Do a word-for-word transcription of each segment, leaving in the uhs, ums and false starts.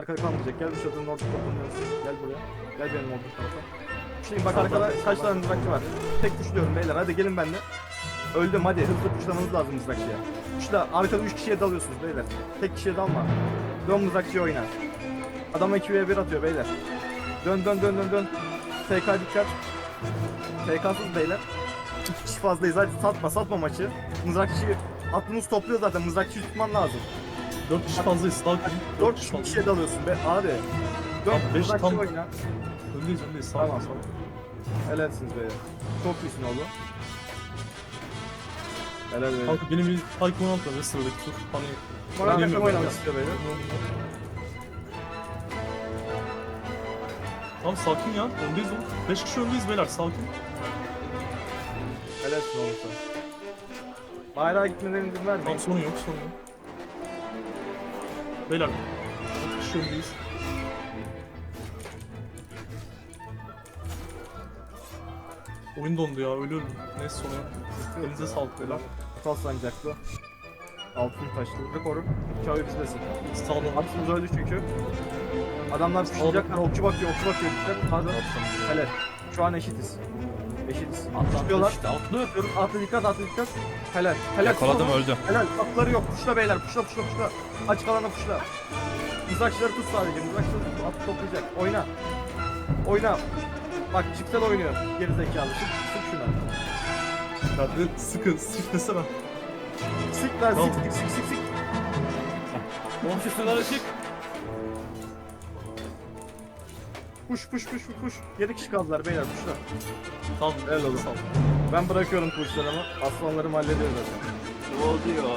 Arka kalmayacak. Gel bu çadırın orta toplanıyoruz. Gel buraya. Gel benim olduğum tarafa. Şimdi bak arkada kaç tane mızrakçı var. Tek tuşluyorum beyler. Hadi gelin benimle. Öldüm hadi. Hızlı tuşlamanız lazım mızrakçıya. Tuşla. Arkada üç kişiye dalıyorsunuz beyler. Tek kişiye dalma. Dön mızrakçıya oyna. Adam iki ve bir atıyor beyler. Dön dön dön dön dön. T K dikkat. T K'sız beyler. İki kişi fazlayız. Hadi satma satma maçı. Mızrakçıyı aklınız topluyor zaten. Mızrakçıyı tutman lazım. dört kişi fazlayız. Sağ olun. dört kişi kişiye dalıyorsun be abi. Dön Tamam, beş mızrakçı tam- oyna. Öndeyiz öndeyiz. Sağ Tamam. olun. Sağ olun. Helalsiniz beyler. Çok iyisin oğlum. Helal beyler. Kanka benim bir Tycoon alt var ve sıradaki tur. Hani Moral takım Oynayamıyorum oynamak ya. istiyor beyler. Tamam sakin ya. Öndeyiz oğlum. beş kişi öndeyiz beyler. Sakin. Helalsin oğlum sen. Bayrağa gitmelerine izin vermeyin. Tamam sorun yok sorun yok. Beyler. dört kişi öndeyiz. Oyun dondu ya. Ölüyorum. Neyse sorun yok. Elinize sağlık beyler. Kutsal sancaklı. Altın taşlı. Ve koru. Çağrı bizdesin. Sağ olun. Atımız öldü çünkü. Adamlar pişirecekler. Okçu bakıyor, okçu bakıyor. Dikkat. Hadi. Helal. Şu an eşitiz. Eşitiz. Atıyorlar. Atlı. Atlı dikkat, atlı dikkat. Helal. Helal. Yakaladım öldü. Helal. Atları yok. Puşla beyler. Puşla puşla puşla. Açık alana puşla. Mızrakçıları tut sadece. Mızrakçıları tut. Atı toplayacak. Oyna. Oyna. Bak çiftel oynuyor. Geri zekalı. Sık, sık şuna. Hadi sıkın. Sık desene. Sık lan. Tamam. Sık sık sık sık sık. Komşusular ışık. Puş puş puş puş puş. yedi kişi kaldılar beyler puşla. Tamam. Helal oğlum. Sağ olun. Ben bırakıyorum kılıçlarımı. Aslanlarım hallediyor zaten. Ne oluyor?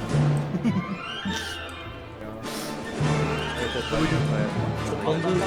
Evet evet. ben- Toplandı.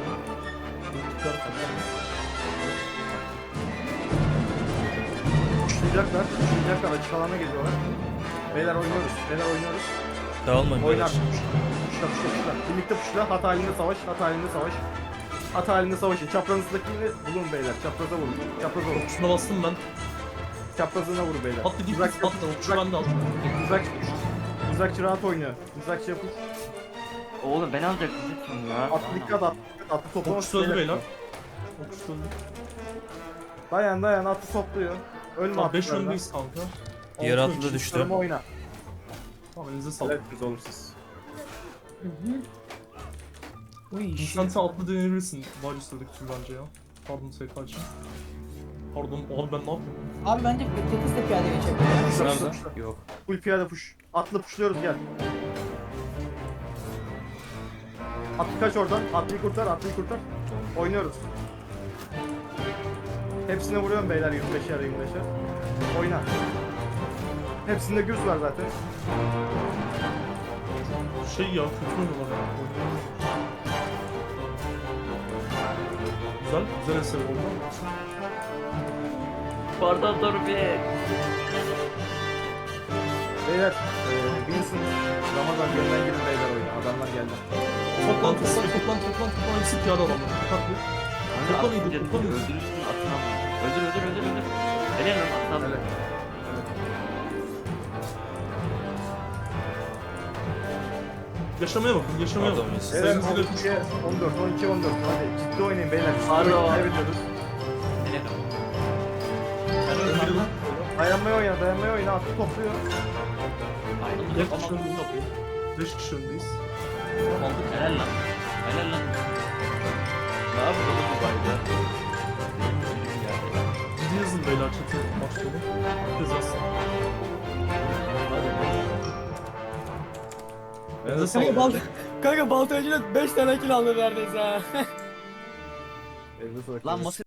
Puşlayacaklar. Puşlayacaklar. Açık alana geliyorlar. Beyler oynuyoruz. Beyler oynuyoruz. Dağılmayın Oynar. beyler. Puşla puşla puşla. Birlikte puşla. Hat halinde savaş. Hat halinde savaş. Hat halinde savaşın. Çaprazındakini bulun beyler. Çapraza vurun. Çapraza vurun. Şuna bastım ben. Çaprazına vur beyler. Atla git. Mızrak- Atla. Okçu bende al. Mızrakçı. Mızrakçı rahat oynuyor. Mızrakçı yapın. Oğlum ben alacaktım lütfen ya. Atlı dikkat at. Atlı toplamak Okçu öldü beyler. Okçu öldü. Dayan dayan atlı topluyor. Ölme Tamam beş atlılardan. öndeyiz kanka. Diğer Altı atlı da öndeyiz. düştü. Kılıçlarımı oyna. Tamam elinize sağlık. Evet oğlum siz. Sen sen atlı deneyebilirsin. Var üstündeki tür bence ya. Pardon S K için. Pardon abi ben ne yapıyorum? Abi bence Tetis de piyade geçebilir. Sırada. Yok. Full piyade push. Atlı pushluyoruz gel. Atlı kaç oradan. Atlıyı kurtar, atlıyı kurtar. Oynuyoruz. Hepsine vuruyorum beyler yirmi beşer yirmi beşer. Oyna. Hepsinde güz var zaten. Şey ya kötü oynuyorlar ya. Güzel, güzel eser oldu. Pardon dur bir. Beyler, eee Vincent, Ramazan gönden girin beyler oyuna. Adamlar geldi. Toplan, toplan, toplan, toplan, toplan. Hepsi piyade adamlar. Dikkatli. Hani Toplan atınca iyidir, toplan iyidir. öldürürsün atına. Öldür öldür öldür öldür. Helal lan atına. Helal. Yaşamaya bakın, yaşamaya Pardon, bakın. biz- Beyler Sayınızı on verin. iki, on dört, on iki, on dört. Hadi ciddi oynayın beyler. Ciddi Pardon. oynayın, kaybediyoruz. Helal. Dayanmaya oyna, dayanmaya oyna. Atlı topluyor. Beş kişi öndeyiz. Beş kişi öndeyiz. Aldık. Helal lan. Helal lan. Ne yapıyor oğlum bu bayda? Ciddi yazın beyler chat'e maç sonu. Herkes yazsın. Elinize Kanka, sağlık. bal kanka baltacıyla beş tane kill aldı neredeyse ha. Elinize sağlık. Lan masa